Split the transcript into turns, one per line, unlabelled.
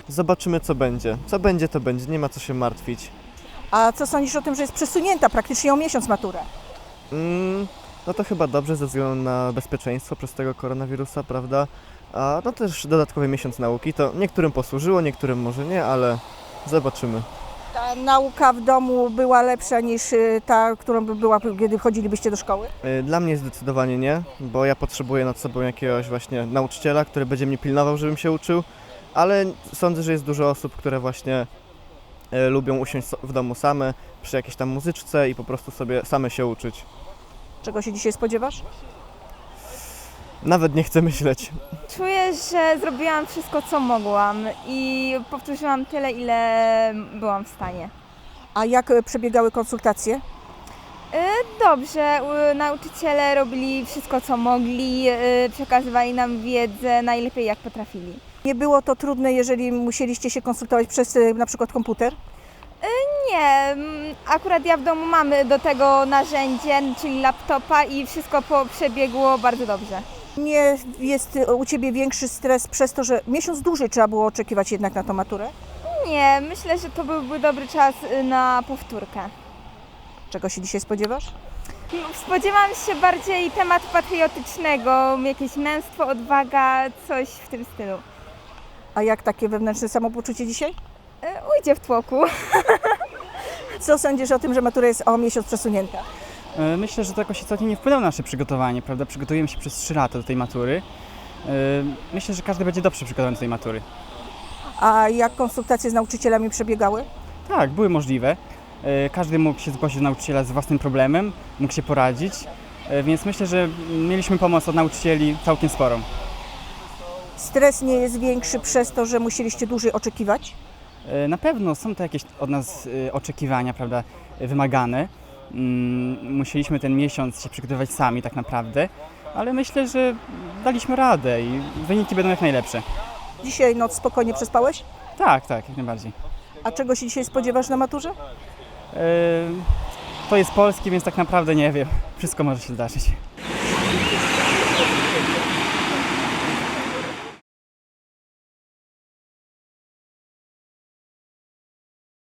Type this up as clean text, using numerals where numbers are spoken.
Zobaczymy, co będzie. Co będzie, to będzie. Nie ma co się martwić.
A co sądzisz o tym, że jest przesunięta praktycznie o miesiąc matura?
No to chyba dobrze ze względu na bezpieczeństwo przez tego koronawirusa, prawda? A no też dodatkowy miesiąc nauki. To niektórym posłużyło, niektórym może nie, ale zobaczymy.
Ta nauka w domu była lepsza niż ta, którą by była, kiedy chodzilibyście do szkoły?
Dla mnie zdecydowanie nie, bo ja potrzebuję nad sobą jakiegoś właśnie nauczyciela, który będzie mnie pilnował, żebym się uczył, ale sądzę, że jest dużo osób, które właśnie lubią usiąść w domu same przy jakiejś tam muzyczce i po prostu sobie same się uczyć.
Czego się dzisiaj spodziewasz?
Nawet nie chcę myśleć.
Czuję, że zrobiłam wszystko, co mogłam i powtórzyłam tyle, ile byłam w stanie.
A jak przebiegały konsultacje?
Dobrze, nauczyciele robili wszystko, co mogli, przekazywali nam wiedzę najlepiej, jak potrafili.
Nie było to trudne, jeżeli musieliście się konsultować przez na przykład komputer?
Nie, akurat ja w domu mamy do tego narzędzie, czyli laptopa i wszystko przebiegło bardzo dobrze.
Nie jest u Ciebie większy stres przez to, że miesiąc dłużej trzeba było oczekiwać jednak na tą maturę?
Nie, myślę, że to byłby dobry czas na powtórkę.
Czego się dzisiaj spodziewasz?
Spodziewam się bardziej tematu patriotycznego, jakieś męstwo, odwaga, coś w tym stylu.
A jak takie wewnętrzne samopoczucie dzisiaj?
Ujdzie w tłoku.
Co sądzisz o tym, że matura jest o miesiąc przesunięta?
Myślę, że to jakoś istotnie nie wpłynęło na nasze przygotowanie, prawda? Przygotujemy się przez 3 lata do tej matury. Myślę, że każdy będzie dobrze przygotowany do tej matury.
A jak konsultacje z nauczycielami przebiegały?
Tak, były możliwe. Każdy mógł się zgłosić do nauczyciela z własnym problemem, mógł się poradzić, więc myślę, że mieliśmy pomoc od nauczycieli całkiem sporą.
Stres nie jest większy przez to, że musieliście dłużej oczekiwać?
Na pewno są to jakieś od nas oczekiwania, prawda, wymagane. Musieliśmy ten miesiąc się przygotowywać sami tak naprawdę, ale myślę, że daliśmy radę i wyniki będą jak najlepsze.
Dzisiaj noc spokojnie przespałeś?
Tak, jak najbardziej.
A czego się dzisiaj spodziewasz na maturze?
To jest polski, więc tak naprawdę nie wiem. Wszystko może się zdarzyć.